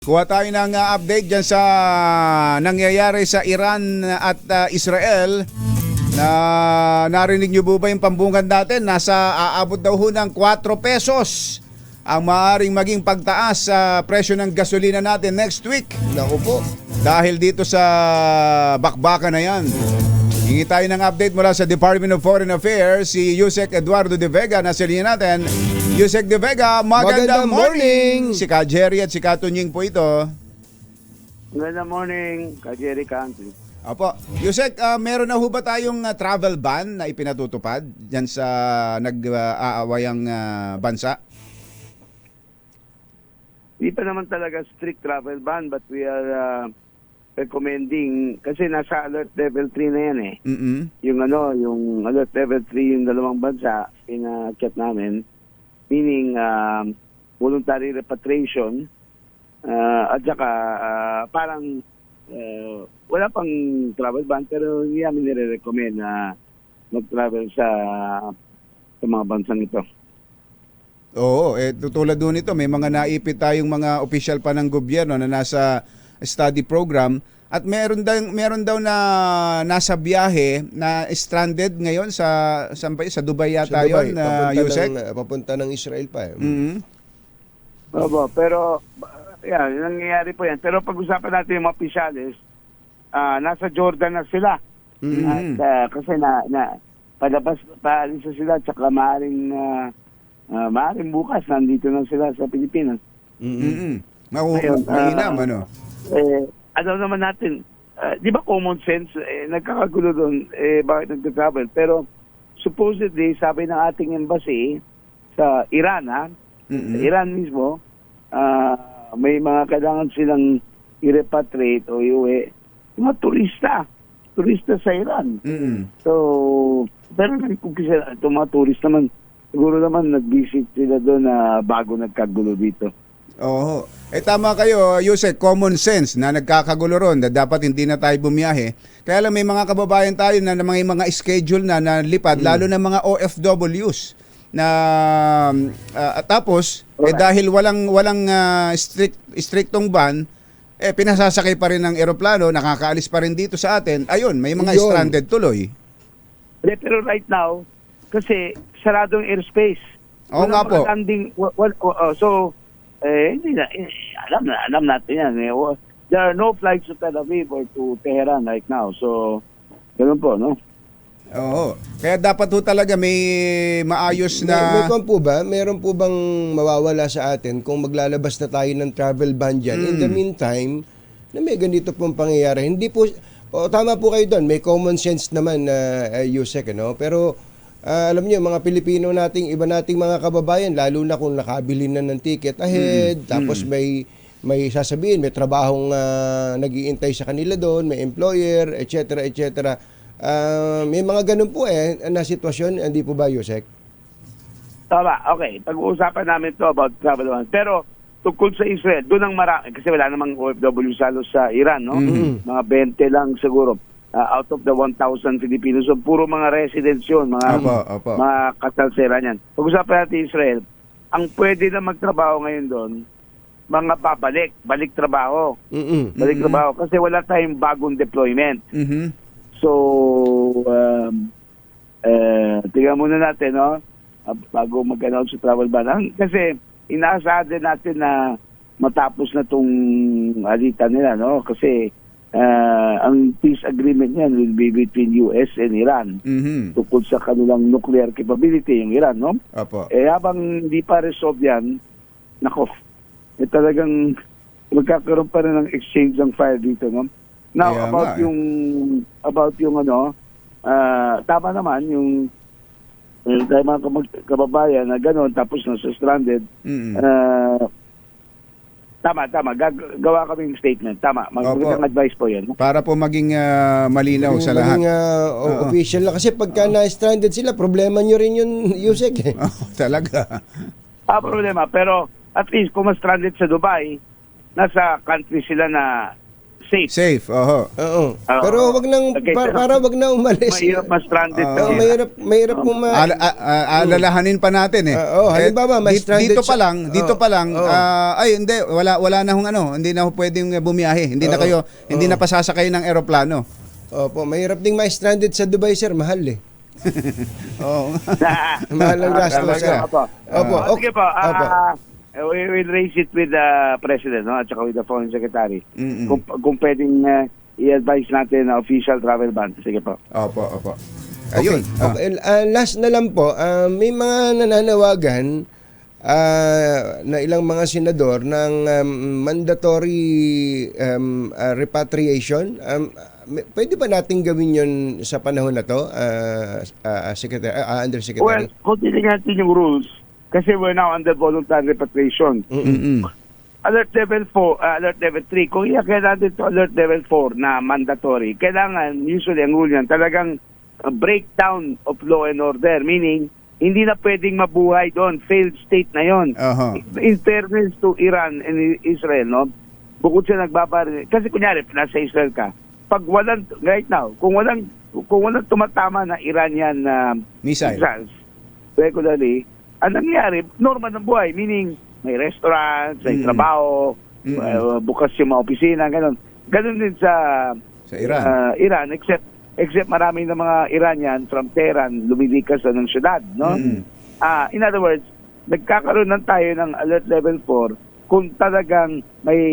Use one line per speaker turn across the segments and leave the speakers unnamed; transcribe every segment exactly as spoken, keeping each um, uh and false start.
Kuha tayo ng uh, update dyan sa nangyayari sa Iran at uh, Israel. Na narinig nyo po ba yung pambungad natin? Nasa aabot daw ho ng four pesos ang maaaring maging pagtaas sa presyo ng gasolina natin next week.
Naku po.
Dahil dito sa bakbakan na yan. Hingi tayo ng update mula sa Department of Foreign Affairs, si Yusek Eduardo de Vega. Nasa linya natin. Yusek de Vega, magandang,
Magandang
morning.
morning.
Si Ka Jerry at si Ka Tunying po ito.
Magandang morning, Ka Jerry Country.
Opo. Yusek, uh, meron na ho ba tayong uh, travel ban na ipinatutupad dyan sa nag-aawayang uh, bansa?
Hindi pa naman talaga strict travel ban, but we are uh, recommending, kasi nasa alert level three na yan eh.
Mm-mm.
Yung ano, yung alert level three, yung dalawang bansa, ina-chat namin, meaning um, voluntary repatriation, uh, at saka uh, parang uh, wala pang travel ban, pero hindi namin nire-recommend na mag-travel sa, sa mga bansang ito.
Oo, eh, tulad doon ito, may mga naipit tayong mga opisyal pa ng gobyerno na nasa study program at meron daw, meron daw na nasa biyahe na stranded ngayon sa, saan ba yun? Sa Dubai yata
Sa Dubai,
yun, na
papunta,
Yusek?
ng, papunta ng Israel pa. Eh.
Mm-hmm.
Opo, pero yan, nangyayari po yan. Pero pag-usapan natin yung mga opisyalis, ah, nasa Jordan na sila.
Mm-hmm.
At ah, kasi na, na palabas, paalis na sila, tsaka maaaring, uh, uh, maaaring bukas, nandito na sila sa Pilipinas.
Mm-hmm. Mahu-
Ayun, ah,
Mainam, ano?
Eh, alam naman natin, ah, di ba common sense, eh, nagkakagulo doon, eh, bakit nagka-travel? Pero supposedly, sabi ng ating embassy sa Iran, ha?
Mm-hmm.
Sa Iran mismo, ah, may mga kailangan silang i-repatriate o iuwi. Mga turista. Turista sa Iran.
Mm-hmm.
So, pero kung kasi itong mga tourist naman, siguro naman nag-visit sila doon na bago nagkagulo dito.
Oo. Eh tama kayo, Yusek, common sense na nagkakagulo ron na dapat hindi na tayo bumiyahe. Kaya lang may mga kababayan tayo na may mga schedule na na lipad,
Mm.
lalo na mga O F Ws na uh, tapos eh
Alright.
dahil walang walang uh, strict strictong ban, eh pinasasakay pa rin ng eroplano, nakakaalis pa rin dito sa atin. Ayun, may mga
Yun.
stranded tuloy.
Eh, Pero right now, kasi saradong airspace.
Oo nga po.
mga landing, wa- wa- wa- oh, so, eh, hindi na, eh, alam na, alam natin yan. Eh. Wa- There are no flights to Tel Aviv or to Tehran right now. So, ganun po, no?
Oo. Kaya dapat ho talaga may maayos
May,
na
may kwan po ba? Meron po bang mawawala sa atin kung maglalabas na tayo ng travel ban dyan? In the
Mm.
meantime, na may ganito pong pangyayari. Hindi po, o, tama po kayo doon. May common sense naman na uh, Yusek, ano? Pero ah, alam niyo, mga Pilipino nating, iba nating mga kababayan, lalo na kung nakabili na ng ticket ahead, tapos may may sasabihin, may trabahong uh, nag-iintay sa kanila doon, may employer, et cetera, et cetera. Ah, may mga ganun po eh na sitwasyon, hindi po ba, Yusek?
Tama, okay. Pag-uusapan namin to about travel ban. Pero, tungkol sa Israel, doon ang marami, kasi wala namang O F W halos sa Iran, no?
Mhm.
Mga twenty lang siguro. Ah, out of the one thousand Filipinos. So, puro mga residents yun, mga,
Opo, opo.
mga kasalsera niyan. Pag-usapan natin Israel, ang pwede na magtrabaho ngayon doon, mga babalik, balik trabaho.
Mm-mm.
Balik
Mhm.
trabaho. Kasi wala tayong bagong deployment.
Mhm.
So, um, uh, tingnan muna natin, no? Ah, bago mag-announce sa travel ban. Ang- Kasi, inaasahan din natin na matapos na itong alitan nila, no? Kasi, ah, ang peace agreement niyan will be between U S and Iran
Mhm.
tungkol sa kanilang nuclear capability, yung Iran, no?
Opo.
Eh, habang hindi pa resolve yan, nako, eh talagang magkakaroon pa rin ng exchange ng fire dito, no? Now,
Kaya
about
nga, eh.
yung, about yung ano, ah, tama naman, yung, yung tayo mga kamag- kababayan na gano'n, tapos nasa stranded,
Mhm.
ah, tama, tama, gag- gawa kaming statement, tama,
Opo.
magandang advice po yan.
Para po maging ah, malinaw sa lahat.
Maging, ah, o-
Oo.
official na. Kasi pagka na-stranded sila, problema nyo rin yun, Yusek. Eh.
Oh, talaga.
Ah, problema, pero at least kung mas stranded sa Dubai, nasa country sila na safe.
Safe, oho.
Oo.
Oo.
Pero wag nang
Okay,
pa-
pero-
para wag na umalis.
Mahirap mas stranded
Oo,
Oo,
kasi.
mahirap mahirap po ma
Al- a- a- alalahanin pa natin eh.
Ah, oh, halimbawa,
Eh,
may
di-
stranded
dito pa
siya-
lang, dito
Oh,
pa lang,
oh.
ah, ay hindi, wala wala na hong ano, hindi na ho pwedeng bumiyahe. Hindi na
Oo.
kayo, hindi
Oo.
na pasasakay ng eroplano.
Opo, mahirap ding ma-stranded sa Dubai, sir, mahal eh.
Oo.
Mahal ang gasto,
Talaga.
sir.
Opo.
Opo,
Ah, sige po. ah,
Opo.
we will raise it with the President, no? At saka with the Foreign Secretary.
Mm-mm.
Kung, kung pwedeng uh, i-advise natin na official travel ban. Sige po.
Opo, opo.
Okay.
Ayun. ah.
Okay. Ah, last na lang po, ah, may mga nananawagan ah, na ilang mga senador ng um, mandatory um, ah, repatriation. Um, may- pwede ba natin gawin yon sa panahon na to, ah, ah, Secretary, ah,
Well,
Undersecretary?
kung titignan natin yung rules, kasi we're now under voluntary repatriation.
Mm-mm.
Alert level four, uh, alert level three, kung iakay natin to alert level four na mandatory, kailangan, usually ang rule yan, talagang uh, breakdown of law and order, meaning, hindi na pwedeng mabuhay doon, failed state na yon.
Aha.
In fairness to Iran and Israel, no, bukod sa nagbabar, kasi kunyari, nasa Israel ka, pag walang, right now, kung walang, kung walang tumatama na Iranian uh,
Missile.
missiles, regularly, ang nangyayari, normal ng buhay, meaning, may restaurants, may
Mm.
trabaho,
Mm-mm.
uh, bukas yung mga opisina, ganun. Ganun din sa
Sa Iran.
uh, Iran, except except maraming ng mga Iranian from Tehran lumilikas na ng syudad, no?
Mm.
Ah, in other words, nagkakaroon ng tayo ng alert level four kung talagang may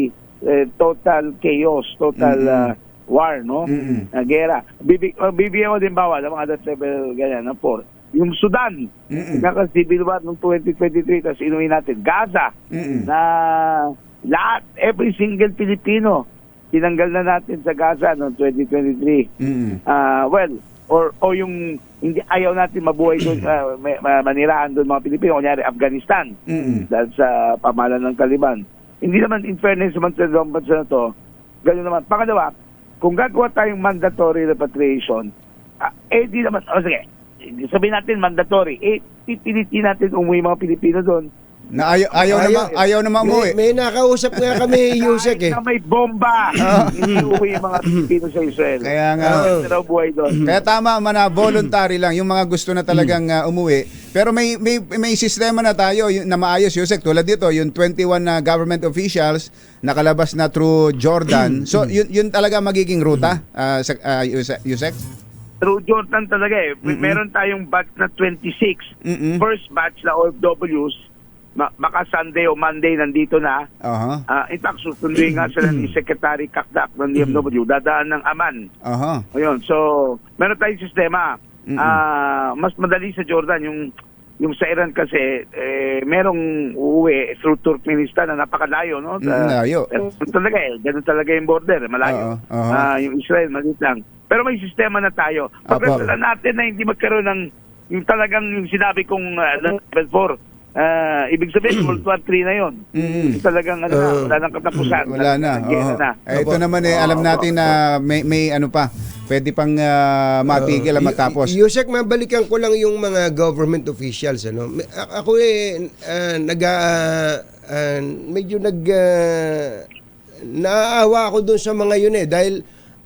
eh, total chaos, total
Mm-mm.
uh, war, no?
Mm-mm.
Na gera. Bibi, uh, bibigyan ko din bawal ang mga alert level ganyan, no? four. Yung Sudan,
Mm-mm.
naka-civil war noong twenty twenty-three, tapos inuwi natin. Gaza,
Mm-mm.
na lahat, every single Pilipino, tinanggal na natin sa Gaza noong twenty twenty-three.
Mm-mm.
Ah, well, or o yung hindi ayaw natin mabuhay doon, uh, manirahan doon mga Pilipino, kunyari Afghanistan,
Mm-mm.
dahil sa pamahalaan ng Taliban. Hindi naman, in fairness naman sa dalawang bansa na to, gano'n naman. Pangalawa, kung gagawa tayong mandatory repatriation, ah, eh di naman, o sige, sabihin natin mandatory, eh pipilitin natin umuwi mga Pilipino doon.
Na ayaw, ayaw,
Ayaw.
naman, ayaw naman
May,
umuwi.
may nakausap nga kami, Yusek eh.
Kahit na may bomba, hindi umuwi yung mga Pilipino sa Israel.
Kaya nga.
Ano raw buhay doon.
Kaya tama man na voluntary lang yung mga gusto na talagang uh, umuwi. Pero may may may sistema na tayo yung- na maayos, Yusek, tulad dito yung twenty-one na government officials nakalabas na through Jordan. So yun yun talaga magiging ruta, uh, sa, uh, Yusek- Yusek?
Through Jordan talaga eh. Meron tayong batch na twenty-six.
Mm-mm.
First batch na O F Ws, ma- baka Sunday o Monday nandito na.
Aha.
Ah, in fact, susunduin nga sila ni Secretary Kakdak ng D F W, dadaan ng Aman.
Aha.
Ayun, so, meron tayong sistema.
Mm-mm.
Ah, mas madali sa Jordan yung yung sa Iran kasi eh, merong uuwi through Turkmenistan na napakalayo, no?
Mm, layo.
Eh, talaga eh, ganun talaga yung border, eh, malayo.
Oo, oo.
Ah, yung Israel, maliit lang. Pero may sistema na tayo. Pagkasalan natin na hindi magkaroon ng yung talagang yung sinabi kong uh, level four. Ah, ibig sabihin, World War three na yun.
Mm.
Talagang ano na,
Oo.
wala nang katapusan.
Wala na.
Nanggera
Oo.
na.
Eh, ito
Opo.
naman eh alam natin na may may ano pa, pwede pang uh, matigil at
Uh,
matapos.
Y- Yusek, mabalikan ko lang yung mga government officials. Ano? May- a- Ako eh, ah, nag, ah, ah, medyo nag, ah, naaawa ako dun sa mga yun eh. Dahil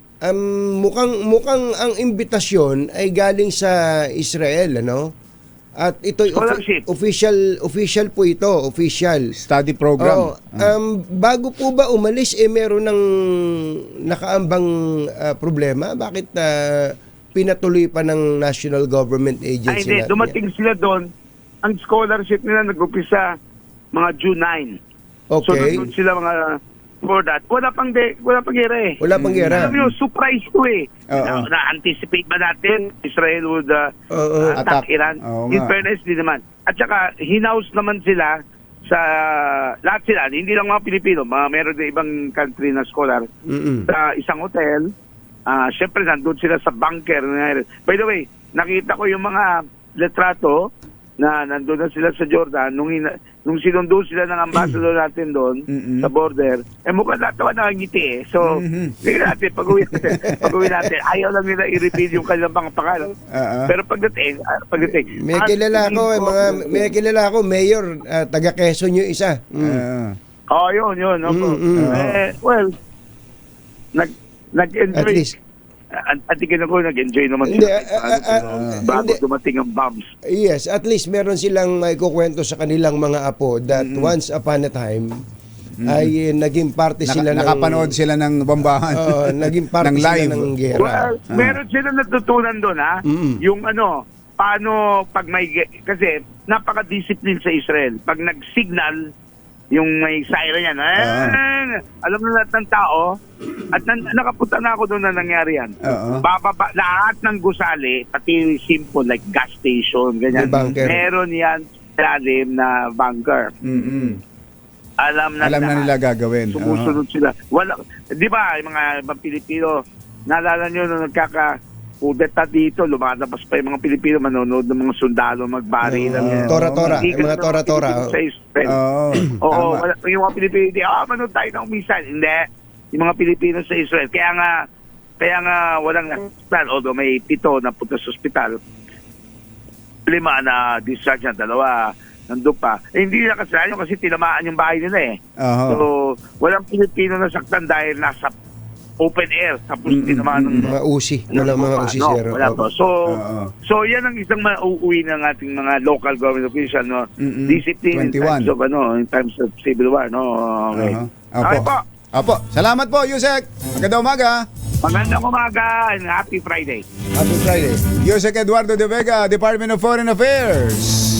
um, mukhang, mukhang ang imbitasyon ay galing sa Israel. Ano? At ito
Scholarship.
official official po ito, official.
Study program.
Oo. Um, bago po ba umalis, eh meron ng nakaambang ah, problema? Bakit ah, pinatuloy pa ng National Government
Ay,
Agency?
hindi.
na-
Dumating sila doon. Ang scholarship nila nag-upisa mga June ninth. So,
Okay.
nandun sila mga for that. Wala pang, de, wala pang gera eh.
Wala pang gera.
Alam nyo, surprise to eh.
Oo.
Na, na-anticipate ba natin Israel would uh,
Oo.
attack
Attack.
Iran?
Oo
In
nga.
fairness, di naman. At saka, hinaus naman sila sa lahat sila, hindi lang mga Pilipino, mga meron din ibang country na scholar,
Mm-mm.
sa isang hotel. Ah, syempre, nandun sila sa bunker. By the way, nakita ko yung mga letrato na nandun na sila sa Jordan nung, hina, nung sinundo sila ng ambassador natin doon
Mm-mm.
sa border. Eh mukhang natawa nakangiti eh. So,
Mhm.
tingnan natin, pag-uwi natin, pag-uwi natin, ayaw lang nila i-reveal yung kanilang mga pangalan.
Oo.
Pero pagdating, ah, pagdating,
May
ah,
kilala ko, eh,
tingin
mga, may kilala ko, mayor, ah, taga Quezon yung isa. Mm.
Oo.
Oh, yun, yun. Opo.
Mm, mm.
Eh, well, nag, nag-enjoy.
At least.
At, at tingin ako, nag-enjoy naman
Hindi,
sila.
ah, ah, ah,
bago
hindi.
dumating ang bombs.
Yes, at least meron silang maikukwento sa kanilang mga apo that once upon a time ay eh, naging parte
Naka,
sila ng
nakapanood sila ng bombahan.
Oo, naging parte
ng
sila
live.
ng gera.
Well, meron sila natutunan doon, ha?
Mm.
Yung ano, paano pag may, ge- kasi napaka-discipline sa Israel. Pag nag-signal, yung may siren yan, eh, alam na lahat ng tao, at nan- nakapunta na ako doon na nangyari yan.
Oo.
Bababa, lahat ng gusali, pati simple, like gas station, ganyan.
May bunker.
Meron yan lalim na bunker.
Mm-mm.
Alam na
Alam na
lahat.
nila gagawin.
Sumusunod sila. Wala, di ba, yung mga ibang Pilipino, naalala nyo nung nagkaka kudeta dito, lumalabas pa yung mga Pilipino manonood ng mga sundalo magbari.
Oo. Tora-tora, yung mga tora-tora.
Sa Israel.
Oo.
Oo,
Tama.
wala, yung mga Pilipino, di, ah, manood tayo ng missile. Hindi. Yung mga Pilipino sa Israel. Kaya nga, kaya nga walang hospital, although may pito na punta sa hospital. Lima na discharge na, dalawa nandun pa. Eh, hindi na kasalanan kasi tinamaan yung bahay nila eh.
Oo.
So, walang Pilipino na saktan dahil nasa open air. Tapos
Mm,
tinamaan ng
Mga usi, walang mga usi,
no,
sir.
wala to. So,
Oo.
so yan ang isang mauuwi ng ating mga local government official, no?
Mm-mm.
Discipline in
twenty-one.
times of, ano, in times of civil war, no? Okay.
Aha.
Okay
Apo.
po.
Apo. Salamat po, Yusek. Magandang umaga.
Magandang umaga and happy Friday.
Happy Friday.
Yusek Eduardo de Vega, Department of Foreign Affairs.